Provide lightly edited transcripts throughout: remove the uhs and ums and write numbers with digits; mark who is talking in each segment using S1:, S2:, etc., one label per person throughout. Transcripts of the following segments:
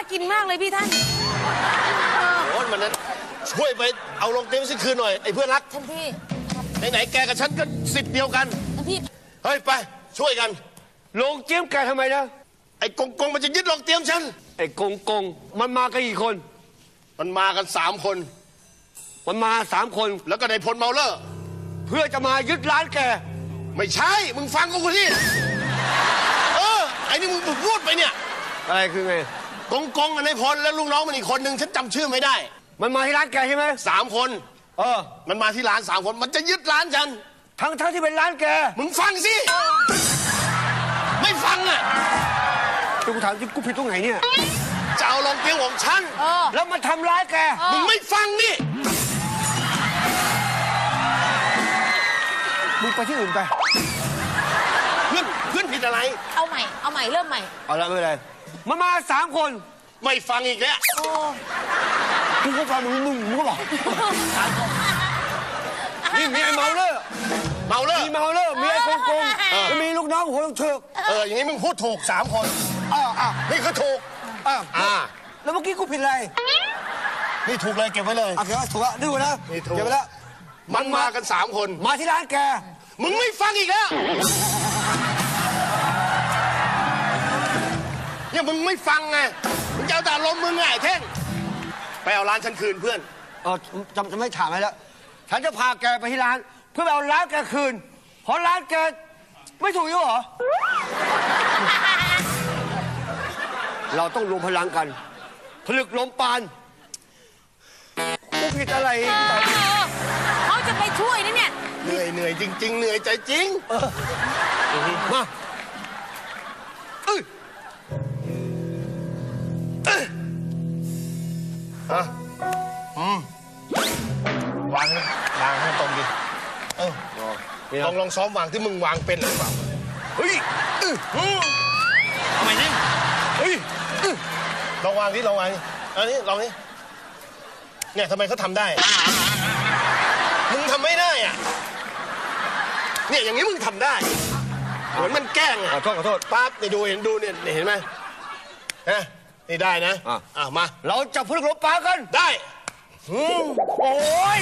S1: กินมากเลยพี่ท่าน
S2: โอ้ยมันนั้นช่วยไปเอาลงเตียงสิคืนหน่อยไอ้เพื่อนรัก
S1: ท่านพี่
S2: ไหนแกกับฉันก็สิทธิ์เดียวกัน
S1: ท่านพี่
S2: เฮ้ยไปช่วยกัน
S3: ลงเจียมแกทำไมนะ
S2: ไอ้กงมันจะยึดลงเตียงฉัน
S3: ไอ้กงมันมากันกี่คน
S2: มันมากัน3 คน
S3: มันมา3 คน
S2: แล้วก็ในพลเมาเลอร์
S3: เพื่อจะมายึดร้านแก
S2: ไม่ใช่มึงฟังกูที่ไอ้นี่มึงพูดไปเนี่ย
S3: อะไรคือไง
S2: กงในพลแล้วลูกน้องมันอีกคนนึงฉันจำชื่อไม่ได้
S3: มันมาที่ร้านแกใช่ไหม
S2: 3 คนมันมาที่ร้าน3 คนมันจะยึดร้านฉัน
S3: ทั้งที่เป็นร้านแก
S2: มึงฟังสิไม่ฟังอ่ะ
S3: กูถามที่กูผิดตรงไหนเนี่ย
S2: จะเอาลงเตียงของฉัน
S3: แล้วมาทำร้ายแก
S2: มึงไม่ฟังนี่
S3: มึงไปที่อื่นไป
S2: เพื่อนผิดอะไร
S1: เอาใหม่เริ่มใหม่
S3: เอาละไม่เป็นไรมันมา3 คน
S2: ไม่ฟังอีกแล้ว
S3: กูก็ฟังมึงก็บอกนี่มีไอ้เมาเลอร์มีเมาเลอร์มีไอ้กงแล้วมีลูกน้องหัวลูกเถิก
S2: อย่างนี้มึงพูดถูก3 คนนี่คือถูก
S3: แล้วเมื่อกี้กูผิดอะไร
S2: นี่ถูกเลยเก็บไว้เลย
S3: โอเคถูกแล้วดูนะเก็บไว้แล้ว
S2: มันมากัน3 คน
S3: มาที่ร้านแก
S2: มึงไม่ฟังอีกแล้วเนี่ยมึงไม่ฟังไงมึงจะเอาแต่ลมมึงไงเท่งไปเอาร้านฉันคืนเพื่อน
S3: จะไม่ถามอะไรแล้วฉันจะพาแกไปที่ร้านเพื่อเอาร้านแกคืนเพราะร้านแกไม่ถูกอยู่เหรอเราต้องรวมพลังกันผลึกลมปานกูผิดอะไร
S1: เขาจะไปช่วยนะเนี่ย
S2: เหนื่อยจริงๆเหนื่อยใจจริง
S3: มาว
S2: างให้ตรงดิลองซ้อมวางที่มึงวางเป็นหรือเปล่าเฮ้ยทำไมนี่เฮ้ยลองวางดิลองวางดิอันนี้ลองดิเนี่ยทำไมเขาทำได้มึงทำไม่ได้อ่ะเนี่ยอย่างนี้มึงทำได้เหมือนมันแกล้งอ่ะ
S3: ขอโทษ
S2: ปั๊บนี่ดูเห็นไหมนี่ได้นะมา
S3: เราจะผลึกลมปานกัน
S2: ได้
S3: โอ้ย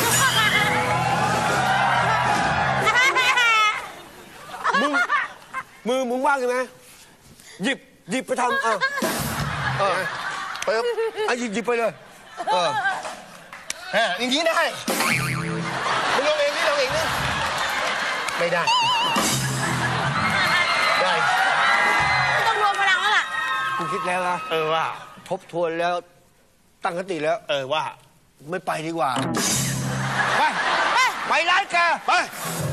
S3: มึงว่างใช่ไหมหยิบไปทำ
S2: เปิบ
S3: หยิบไปเลย
S2: อย่างนี้ได้มึงลองเองนี่ไม่ได้
S1: ต้องรวมพลังแล้วล่ะ
S3: กูคิดแล้วนะ
S2: ว่า
S3: ทบทวนแล้วตั้งสติแล้ว
S2: ว่า
S3: ไม่ไปดีกว่าไปร้านแก
S2: ไป